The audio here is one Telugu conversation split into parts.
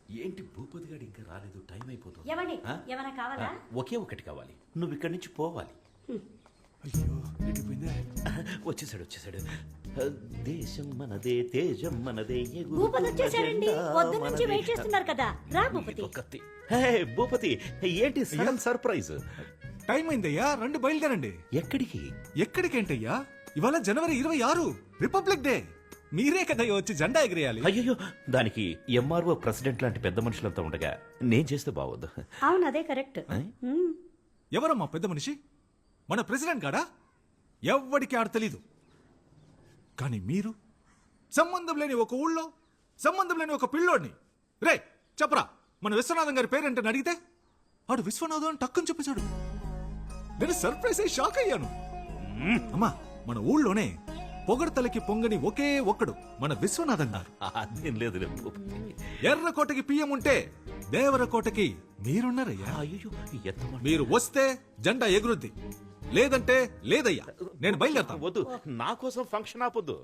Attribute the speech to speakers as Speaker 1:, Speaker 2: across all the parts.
Speaker 1: ఏంటి భూపతి గారు ఇంకా రాలేదు? టైం అయిపోతుంది.
Speaker 2: ఏమండి ఏమైనా కావాలా?
Speaker 1: ఒకే ఒకటి కావాలి. నువ్వు ఇక్కడి నుంచి పోవాలి.
Speaker 3: అయ్యో ఎడిపోయిందే.
Speaker 1: వచ్చేసాడు. దేశం మనదే, తేజం మనదే.
Speaker 2: భూపతి వచ్చేసారండి. పొద్దు నుంచి వెయిట్ చేస్తున్నారు కదా. రా భూపతి.
Speaker 1: భూపతి ఏంటి సడన్ సర్ప్రైజ్?
Speaker 3: టైం అయిందయ్యా, రండి బయలుదేరండి.
Speaker 1: ఎక్కడికి?
Speaker 3: ఎక్కడికేంటయ్యా, ఇవాళ జనవరి 26 రిపబ్లిక్ డే. మీరే కదయ్యా వచ్చి జెండా ఎగిరేయాలి.
Speaker 1: అయ్యో, దానికి ఎంఆర్ఓ ప్రెసిడెంట్ లాంటి పెద్ద మనుషులంతా ఉండగా నేను చేస్తే బావద్దు.
Speaker 2: అవును అదే కరెక్ట్.
Speaker 3: ఎవరమ్మా పెద్ద మనిషి? మన ప్రెసిడెంట్ గాడా? ఎవ్వడికి ఆడ తెలీదు. కానీ మీరు సంబంధం లేని ఒక ఊళ్ళో సంబంధం లేని ఒక పిల్లోడిని రే చెప్పరా మన విశ్వనాథం గారి పేరేంటని అడిగితే ఆడు విశ్వనాథం అని టక్కుని చెప్పేశాడు. నేను సర్ప్రైజ్ అయ్యి షాక్ అయ్యాను. అమ్మా, మన ఊళ్ళోనే పొగడతలకి పొంగని ఒకే ఒక్కడు మన విశ్వనాథం గారు.
Speaker 1: అదేం లేదు.
Speaker 3: ఎర్రకోటకి పియ్యం ఉంటే దేవరకోటకి మీరున్నారయ్యా.
Speaker 1: అయ్యో,
Speaker 3: మీరు వస్తే జెండా ఎగురుద్ది, లేదంటే లేదయ్యా. నేను బయలుదేరతా.
Speaker 1: వద్దు, నా కోసం ఫంక్షన్ ఆపొద్దు.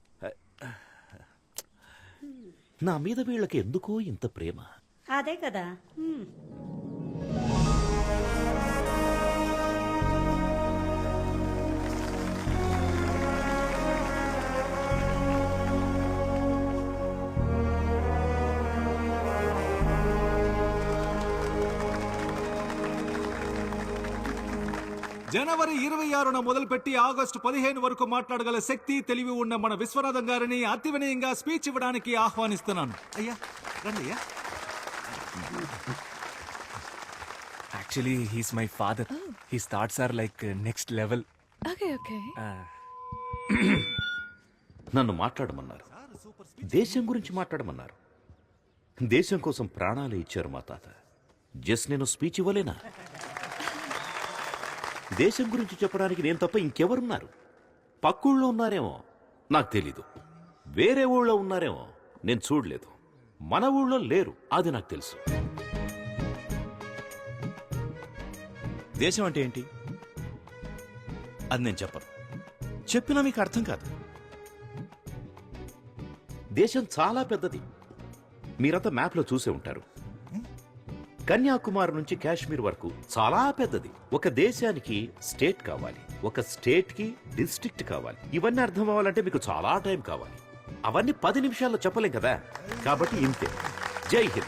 Speaker 1: నా మీద వీళ్ళకి ఎందుకో ఇంత ప్రేమ.
Speaker 2: అదే కదా.
Speaker 3: జనవరి 26న మొదలుపెట్టి ఆగస్టు 15 వరకు మాట్లాడగల శక్తి, తెలివి ఉన్న మన విశ్వనాథం గారిని అతి వినయంగా స్పీచ్ ఇవ్వడానికి ఆహ్వానిస్తున్నాను. అయ్యా రండి అయ్యా.
Speaker 4: Actually, he's my father. His thoughts are like next level.
Speaker 5: Okay.
Speaker 1: నన్ను మాట్లాడమన్నారు, దేశం గురించి మాట్లాడమన్నారు. దేశం కోసం ప్రాణాలు ఇచ్చారు మా తాత. జస్ట్ నేను స్పీచ్ ఇవ్వలేనా? దేశం గురించి చెప్పడానికి నేను తప్ప ఇంకెవరున్నారు? పక్కూళ్ళో ఉన్నారేమో, నాకు తెలీదు. వేరే ఊళ్ళో ఉన్నారేమో, నేను చూడలేదు. మన ఊళ్ళో లేరు, అది నాకు తెలుసు.
Speaker 6: దేశం అంటే ఏంటి అది నేను చెప్పను. చెప్పినా మీకు అర్థం కాదు.
Speaker 1: దేశం చాలా పెద్దది. మీరంతా మ్యాప్లో చూసే ఉంటారు. కన్యాకుమారి నుంచి కాశ్మీర్ వరకు చాలా పెద్దది. ఒక దేశానికి స్టేట్ కావాలి, ఒక స్టేట్ కి డిస్ట్రిక్ట్ కావాలి. ఇవన్నీ అర్థం అవ్వాలంటే మీకు చాలా టైం కావాలి. అవన్నీ 10 నిమిషాల్లో చెప్పలేం కదా. కాబట్టి ఇంతే. జై హింద్.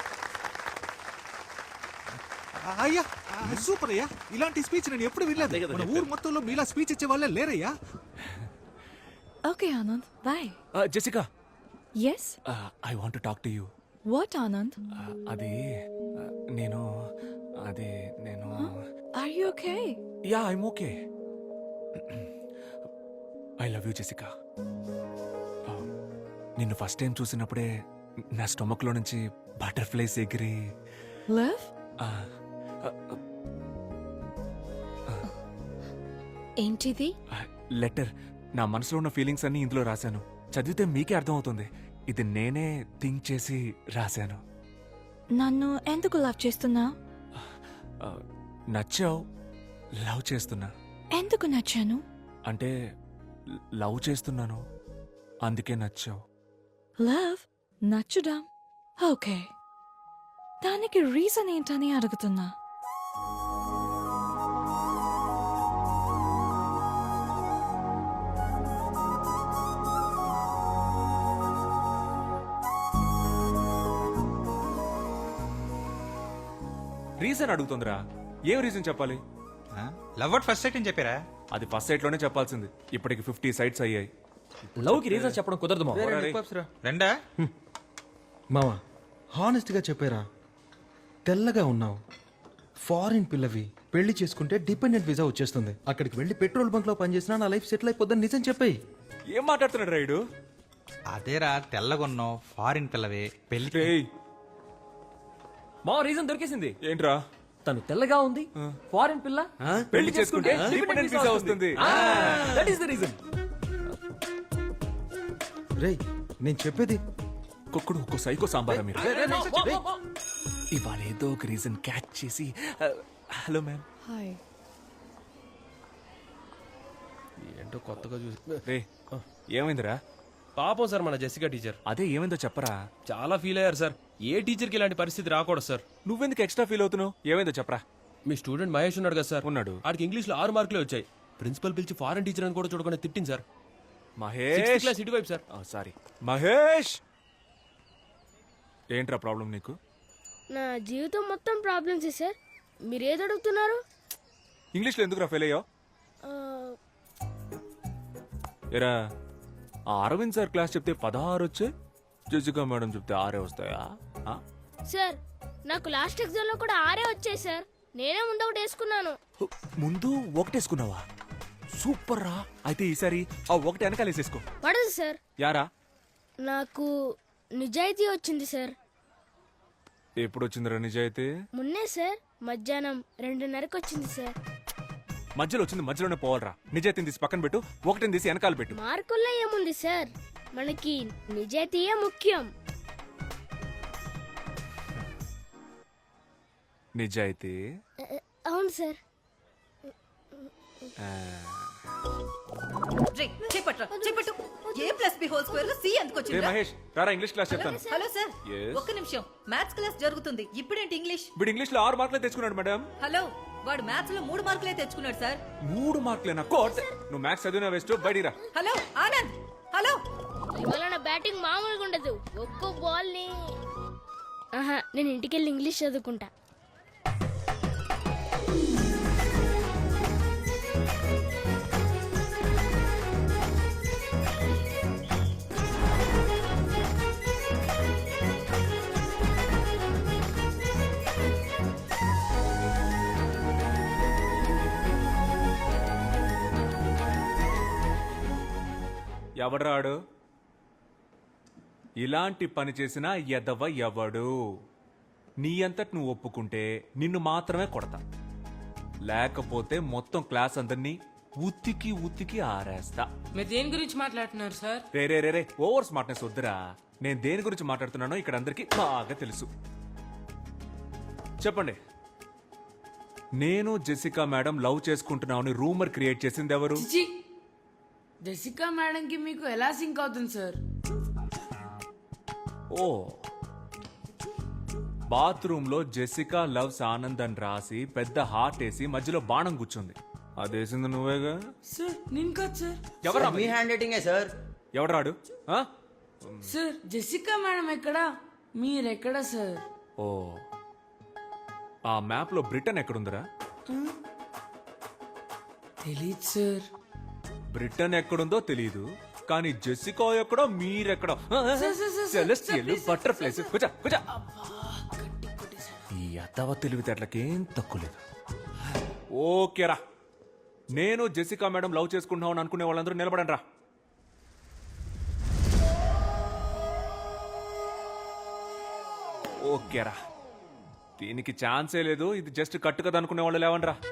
Speaker 3: అయ్యా సూపర్ అయ్యా. ఇలాంటి స్పీచ్ నేను ఎప్పుడు వినలేదు. మన ఊరు మొత్తంలో మీలా స్పీచ్ ఇచ్చే వాళ్ళే లేరయ్యా.
Speaker 5: Okay, Anand. Bye.
Speaker 4: Jessica.
Speaker 5: Yes?
Speaker 4: I want to talk to you.
Speaker 5: What, Anand?
Speaker 4: అది నేను
Speaker 5: Are you okay?
Speaker 4: Yeah, I'm okay. I love you, Jessica. నిన్ను ఫస్ట్ టైం చూసినప్పుడే నా స్టొమక్ లో నుంచి బటర్ఫ్లైస్ ఎగిరి.
Speaker 5: Liv? ఏంటిది?
Speaker 4: లెటర్. నా మనసులో ఉన్న ఫీలింగ్స్ అన్ని ఇందులో రాశాను. చదివితే మీకే అర్థమవుతుంది. ఇది నేనే థింక్ చేసి రాశాను.
Speaker 5: నన్ను ఎందుకు లవ్ చేస్తున్నా?
Speaker 4: నచ్చావు, లవ్ చేస్తున్నా.
Speaker 5: ఎందుకు నచ్చాను?
Speaker 4: అంటే లవ్ చేస్తున్నాను, అందుకే నచ్చావు.
Speaker 5: లవ్ నచ్చుడా? ఓకే, దానికి రీజన్ ఏంటని అడుగుతున్నా.
Speaker 4: రీజన్ అడుగుతుందిరా. ఏం రీజన్ చెప్పాలి?
Speaker 7: లవ్ అట్ ఫస్ట్ సైట్ అని చెప్పారా?
Speaker 4: అది ఫస్ట్ సైట్ లోనే చెప్పాల్సింది. ఇప్పటికి 50 సైట్స్ అయ్యాయి.
Speaker 8: లవ్ కి రీజన్ చెప్పడం కుదరదు మావా.
Speaker 7: రెండా
Speaker 8: మావా, హానెస్ట్ గా చెప్పారా? తెల్లగా ఉన్నావు, ఫారిన్ పిల్లవి, పెళ్లి చేసుకుంటే డిపెండెంట్ వీసా వచ్చేస్తుంది. అక్కడికి వెళ్ళి పెట్రోల్ బంక్ లో పనిచేసినా నా లైఫ్ సెటిల్ అయిపోద్దని నిజం చెప్పాయి.
Speaker 4: ఏం మాట్లాడుతున్నాడు రైడు?
Speaker 7: అదేరా, తెల్లగొన్నావు, ఫారిన్ పిల్లవే, పెళ్లి.
Speaker 8: మా రీజన్ దొరికేసింది.
Speaker 4: ఏంట్రా?
Speaker 8: తను తెల్లగా ఉంది, ఫారిన్ పిల్ల,
Speaker 4: పెళ్లి చేసుకుంటే డిపెండెంట్ వీసా వస్తుంది.
Speaker 8: That is the reason.
Speaker 9: రేయ్, నేను చెప్పేది.
Speaker 4: కుక్కుడు ఒక్కో సైకో సాంబారా మీరు? ఇవాళ ఏదో ఒక రీజన్ క్యాచ్ చేసి. Hello ma'am.
Speaker 5: హాయ్.
Speaker 8: ఏంటో కొత్తగా చూసి.
Speaker 4: రే, ఏమైందిరా?
Speaker 10: పాపం సార్ మన జెసికా టీచర్
Speaker 4: అదే ఏమైందో చెప్పరా.
Speaker 10: చాలా ఫీల్ అయ్యారు సార్. ఏ టీచర్కి ఇలాంటి పరిస్థితి రాకూడదు సార్.
Speaker 4: నువ్వెందుకు ఎక్స్ట్రా ఫీల్ అవుతున్నావు? ఏమైందో చెప్పరా.
Speaker 10: మీ స్టూడెంట్ మహేష్ ఉన్నాడు కదా సార్,
Speaker 4: ఉన్నాడు.
Speaker 10: ఆడికి ఇంగ్లీష్లో 6 మార్కులే వచ్చాయి. ప్రిన్సిపల్ పిలిచి ఫారెన్ టీచర్ అని కూడా చూడకుండా తిట్టింది సార్.
Speaker 4: మహేష్
Speaker 10: క్లాస్ ఇటువైపు సార్.
Speaker 4: సారీ మహేష్. ఏంట్రా ప్రాబ్లం నీకు?
Speaker 11: నా జీవితం మొత్తం ప్రాబ్లమ్స్ సార్. మీరు ఏది అడుగుతున్నారు?
Speaker 4: ఇంగ్లీష్లో ఎందుకురా ఫెయిల్ అయ్యావు?
Speaker 11: ఆ,
Speaker 4: ఎరా ఆ అరవింద్ సార్ క్లాస్ చెప్తే 16 వచ్చే, జెసికా మేడం చెప్తే 6 వస్తాయా? ఆ?
Speaker 11: సార్ నాకు లాస్ట్ ఎగ్జామ్ లో కూడా 6 వచ్చాయి సార్. నేనే ముందు ఒకటి వేసుకున్నాను.
Speaker 4: ముందు ఒకటేసుకున్నావా? సూపర్ రా. అయితే ఈసారి ఆ ఒకటి వెనకాలేసేసుకో.
Speaker 11: పడదు సార్.
Speaker 4: యారా
Speaker 11: నాకు నిజాయితీ వచ్చింది సార్.
Speaker 4: ఎప్పుడు వచ్చిందిరా నిజాయితీ?
Speaker 11: మొన్నే సార్, మధ్యాహ్నం 2:30కి వచ్చింది సార్.
Speaker 4: మధ్యలో వచ్చింది మధ్యలోనే పోవాలరా. నిజాయితీని తీసి పక్కన పెట్టు, ఒకటిని తీసి వెనకాల పెట్టు.
Speaker 11: మార్కుల్లో ఏముంది సార్, మనకి నిజాయితీయే ముఖ్యం.
Speaker 4: నిజాయితీ.
Speaker 11: అవును సార్.
Speaker 4: ఏ మహేష్ రారా, ఇంగ్లీష్ క్లాస్ చెప్తాను.
Speaker 2: Hello sir,
Speaker 4: Yes.
Speaker 2: ఒక్క నిమిషం. మ్యాథ్స్ క్లాస్ జరుగుతుంది. ఇప్పుడేంటి ఇంగ్లీష్?
Speaker 4: వీడు ఇంగ్లీష్ లో 6 మార్కులే తెచ్చుకున్నాడు మేడం.
Speaker 2: హలో, వాడు మ్యాథ్స్ లో 3 మార్కులే తెచ్చుకున్నాడు సార్.
Speaker 4: 3 మార్కులేనా? కోట్ నువ్వు మ్యాథ్స్ చదివినా వేస్ట్, బయటిరా.
Speaker 2: Hello Anand, hello.
Speaker 11: ఇవాళ నా బ్యాటింగ్ మామూలుగా ఉండదు. ఒక్కో బాల్ ని నేను ఇంటికెళ్ళి ఇంగ్లీష్ చదువుకుంటా.
Speaker 4: ఎవడరాడు? ఇలాంటి పని చేసిన ఎదవ ఎవడు? నీ అంతటి నువ్వు ఒప్పుకుంటే నిన్ను మాత్రమే కొడతా, లేకపోతే మొత్తం క్లాస్ అందరినీ ఉత్తికి ఉత్తికి ఆరేస్తా.
Speaker 12: మీరు దేని గురించి మాట్లాడుతున్నారు సార్?
Speaker 4: రే రే రే రే, ఓవర్ స్మార్ట్నెస్ వద్దురా. నేను దేని గురించి మాట్లాడుతున్నానో ఇక్కడ అందరికీ బాగా తెలుసు. చెప్పండి. నేను జెసికా మేడం లవ్ చేసుకుంటున్నామని రూమర్ క్రియేట్ చేసింది ఎవరు?
Speaker 12: చిచి, జెసికా మేడం కి మీకు ఎలా సింక్ అవుతుంది సార్?
Speaker 4: ఓ, బాత్రూమ్ లో జెసికా లవ్స్ ఆనంద్ అని రాసి పెద్ద హార్ట్ వేసి మధ్యలో బాణం కూర్చుంది. అదేసింది నువ్వేగా?
Speaker 12: సార్ నేను కాదు సార్.
Speaker 4: ఎవరా
Speaker 8: మీ హ్యాండ్ రైటింగే సార్.
Speaker 4: ఎవడరాడు? ఆ?
Speaker 12: సార్ జెసికా మేడం ఎక్కడా, మీరెక్కడా సార్?
Speaker 4: ఓ, ఆ మ్యాప్ లో బ్రిటన్ ఎక్కడుందిరా?
Speaker 12: తెలీదు సార్.
Speaker 4: బ్రిటన్ ఎక్కడుందో తెలీదు, కానీ జెసికా ఎక్కడో మీరెక్కడో. Celestial butterflies. కూర్చో కూర్చో. ఈ అత్తవ తెలివితేటలకేం తక్కువ లేదు. ఓకేరా, నేను జెసికా మేడం లవ్ చేసుకుంటున్నావు అనుకునే వాళ్ళందరూ నిలబడండి రా. ఓకేరా, దీనికి ఛాన్సే లేదు. ఇది జస్ట్ కట్టు కదా అనుకునే వాళ్ళు లేవండి రా.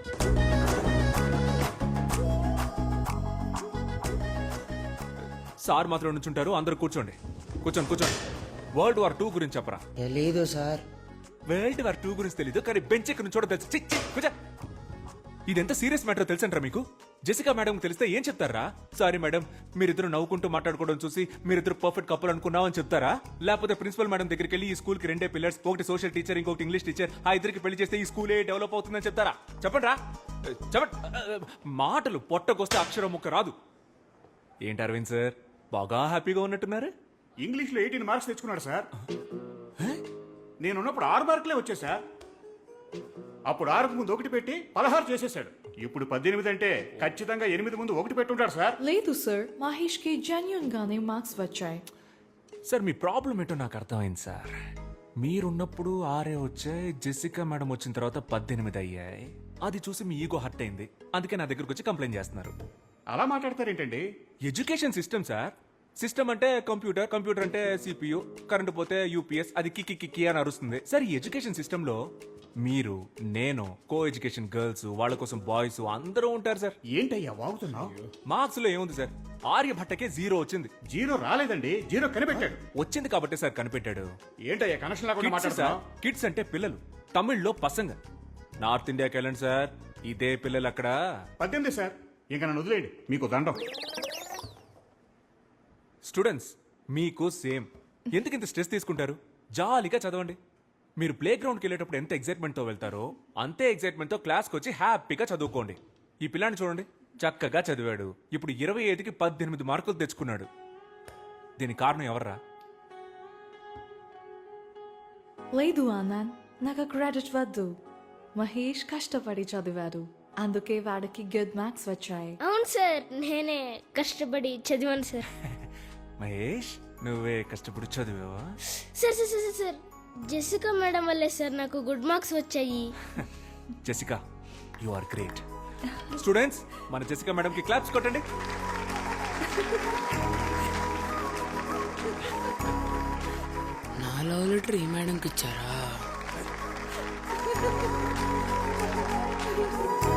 Speaker 4: సార్ మాత్రం నుంచుంటారు, అందరూ కూర్చోండి. కూర్చోండి కూర్చోండి. వరల్డ్ వార్ 2 గురించి చెప్పరా.
Speaker 8: తెలీదు సార్.
Speaker 4: వరల్డ్ వార్ 2 గురించి తెలీదు, కానీ బెంచ్ ఎక్కడ నుంచోడో తెలుసు. చి, చి, కూర్చో. ఇదెంత సీరియస్ మ్యాటర్ తెలుసంటారా మీకు? జెసికా మేడం తెలిస్తే ఏం చెప్తారా? సారీ మేడం, మీరిద్దరు నవ్వుకుంటూ మాట్లాడుకోవడం చూసి మీరిద్దరు పర్ఫెక్ట్ కపుల్ అనుకున్నామని చెప్తారా? లేకపోతే ప్రిన్సిపల్ మేడం దగ్గరికి వెళ్ళి ఈ స్కూల్ కి 2 పిల్లర్స్, ఒకటి సోషల్ టీచర్, ఇంకొకటి ఇంగ్లీష్ టీచర్, ఆ ఇద్దరికి పెళ్లి చేస్తే ఈ స్కూలే డెవలప్ అవుతుందని చెప్తారా? చెప్పండి రా, చెప్పండి. మాటలు పొట్టకొస్తే అక్షరం ముక్క రాదు. ఏంటి అరవింద్ సార్, బాగా హ్యాపీగా ఉన్నట్టున్నారు?
Speaker 13: ఇంగ్లీష్లో 18 మార్క్స్ తెచ్చుకున్నాడు సార్. నేనున్నప్పుడు 6 మార్కులే వచ్చాయి సార్. అప్పుడు 6కు ముందు 1 పెట్టి 16 చేసేసాడు. ఇప్పుడు 18 అంటే ఖచ్చితంగా 8 ముందు 1 పెట్టుంటాడు సార్.
Speaker 5: లేదు సార్, మహేష్ కి జెన్యూన్ గానే మార్క్స్ వచ్చాయి.
Speaker 4: సార్ మీ ప్రాబ్లం ఏంటో నాకు అర్థమైంది సార్. మీరున్నప్పుడు 6 వచ్చాయి, జెసికా మేడం వచ్చిన తర్వాత 18 అయ్యాయి. అది చూసి మీ ఈగో హర్ట్ అయింది, అందుకే నా దగ్గరకు వచ్చి కంప్లైంట్ చేస్తున్నారు.
Speaker 13: అలా మాట్లాడతారేంటండి?
Speaker 4: Education system sir. సిస్టమ్ అంటే కంప్యూటర్, కంప్యూటర్ అంటే సిపియు, కరెంట్ పోతే యూపీఎస్, అది కిక్కి కిక్కి అని అరుస్తుంది. సార్ ఈ ఎడ్యుకేషన్ సిస్టమ్ లో మీరు, నేను, కో ఎడ్యుకేషన్ గర్ల్స్, వాళ్ళ కోసం బాయ్స్ అందరూ ఉంటారు సార్.
Speaker 13: ఏంటయ్యా వాగుతున్నావు?
Speaker 4: మార్క్స్ లో ఏముంది సార్, ఆర్యభట్టకే 0 వచ్చింది.
Speaker 13: 0 రాలేదండి, 0 కనిపెట్టాడు.
Speaker 4: వచ్చింది కాబట్టి సార్ కనిపెట్టాడు.
Speaker 13: ఏంటయ్యా కనెక్షన్ లేకుండా మాట్లాడుతున్నావు?
Speaker 4: కిడ్స్ అంటే పిల్లలు, తమిళ్లో పసంగ. నార్త్ ఇండియాకి వెళ్ళండి సార్, ఇదే పిల్లలు అక్కడ.
Speaker 13: 18 సార్, ఇంకా నన్ను వదిలేయండి, మీకు దండం.
Speaker 4: స్టూడెంట్స్, మీకు సేమ్. ఎందుకు ఇంత స్ట్రెస్ తీసుకుంటారు? జాలీగా చదవండి. మీరు ప్లే గ్రౌండ్కి వెళ్ళేటప్పుడు ఎంత ఎగ్జైట్మెంట్తో వెళ్తారో అంతే ఎగ్జైట్మెంట్తో క్లాస్కి వచ్చి హ్యాపీగా చదువుకోండి. ఈ పిల్లాన్ని చూడండి, చక్కగా చదివాడు. ఇప్పుడు 25కి 18 మార్కులు తెచ్చుకున్నాడు. దీనికి కారణం ఎవర్రా?
Speaker 5: లేదు ఆనంద్, నాకు క్రెడిట్ వద్దు. మహేష్ కష్టపడి చదివాడు, అందుకే వాడికి గుడ్ మార్క్స్ వచ్చాయి.
Speaker 11: అవును సార్, నేనే కష్టపడి చదివాను సార్.
Speaker 4: మహేష్, నువ్వే కష్టపడి చదివావా?
Speaker 11: Sir sir sir sir, Jessica madam వల్లే సార్ నాకు గుడ్ మార్క్స్ వచ్చాయి.
Speaker 4: Jessica, you are great. Students, మన జెసికా మేడంకి క్లాప్స్ కొట్టండి.
Speaker 12: నా లవ్ లెటర్ ఈ మేడంకి ఇచ్చారా?